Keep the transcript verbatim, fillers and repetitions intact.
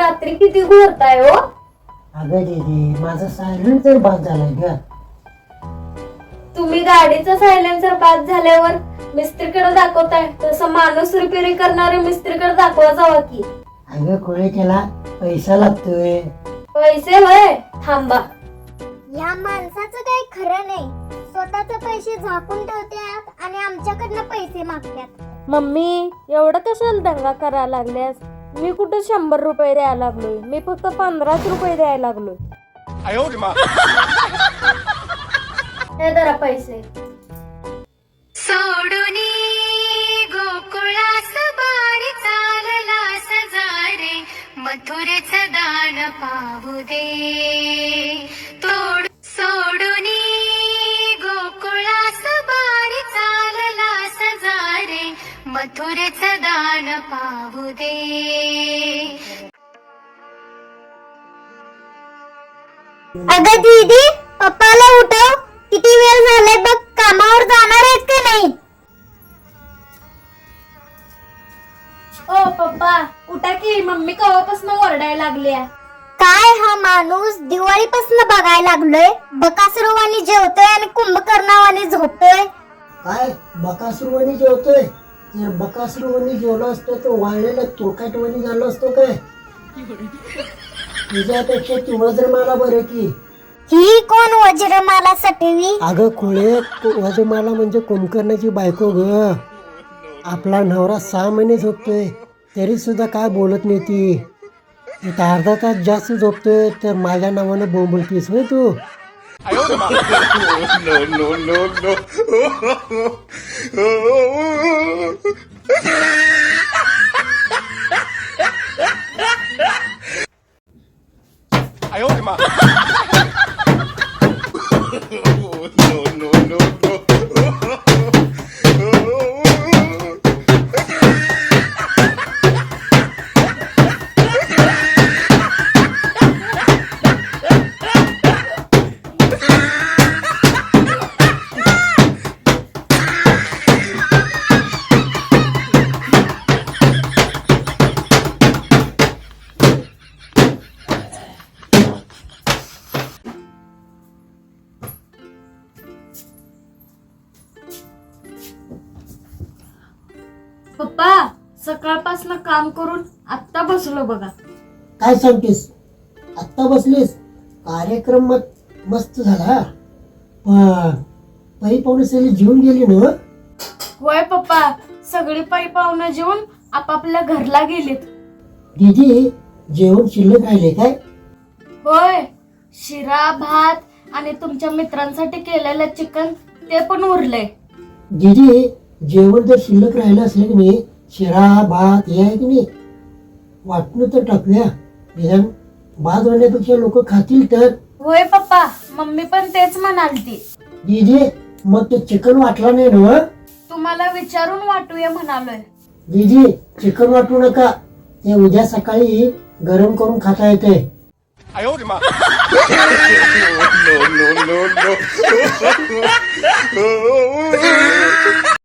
रात्री किती घोरताय हो? अगं दीदी माझा सायलेन्सर बाद झालाय ग. तुम्ही गाडीचा सायलेन्सर बाद झाल्यावर मिस्त्रीकडे दाखवताय, तसं माणूस रिपेअरी करणारे मिस्त्रीकडे दाखवा जावा की. अगं कोळे त्याला पैसा लागतोय. पैसे होय? थांबा. या माणसाचं काही खरं नाही. स्वतःचे पैसे झाकून ठेवतात आणि आमच्याकडनं पैसे मागतात. मम्मी एवढं कशाला दंगा करायला लागल्यास? मी कुठे शंभर रुपये द्यायला लागलोय, मी फक्त पंधराच रुपये द्यायला लागलोय. हे धरा पैसे. सोडूनी गोकुळास बाणी चालला सजारे, मथुरेच दान पाहू दे. तोड सोडूनी गोकुळास बाणी चालला सजारे, मथुरेच दान पाहू दे. अगं दीदी, पप्पाला उठव. किती वेळ झालाय बघ. कामावर जाणार आहेत का नाही? ओ पप्पा उठा की, मम्मी कवापासून ओरडायला लागल्या. काय हा माणूस दिवाळीपासून बघायला लागलोय. बकासुरवाणी जेवतोय आणि कुंभकर्णावाणी झोपतोय. काय बकासुरवाणी जेवतोय? जर बकासुरवाणी जेवलं असतं तर वाळलेलं तुरकाटवाणी झालं असतं काय? तुझ्यापेक्षा ती वज्रमाला बरं की. ही कोण वज्रमाला सटवी? अगं खुळे, वज्रमाला म्हणजे कुंभकर्णाची बायको ग. आपला नवरा सहा महिने झोपतोय तरी सुद्धा काय बोलत नाही ती. एक अर्धा तास जास्त झोपतोय तर माझ्या नावानं बोंबलतीस होय तू. पप्पा सकाळपासून काम करून आत्ता बसलो बघा. काय सांगतेस? आत्ता बसलीस? कार्यक्रम मत मस्त झाला. पण पै पाहुणे सगळी जेवून गेली ना? होय पप्पा, सगळी पायी पाहुणं जेवून आपापल्या घरला गेलीत. दीदी जेवण शिल्लक राहिले काय? होय, शिरा भात आणि तुमच्या मित्रांसाठी केलेलं चिकन ते पण उरलंय. दीदी जेवण जर शिल्लक राहिलं असलं की नाही, शिरा भात हे आहे की नाही, वाटणं तर टाकूया. निदान भात होण्यापेक्षा लोक खातील तर. होय पप्पा, मम्मी पण तेच म्हणालती. दीदी मग ते चिकन वाटला नाही ना? तुम्हाला विचारून वाटूया म्हणालोय. दीदी चिकन वाटू नका, ते उद्या सकाळी गरम करून खाता येते.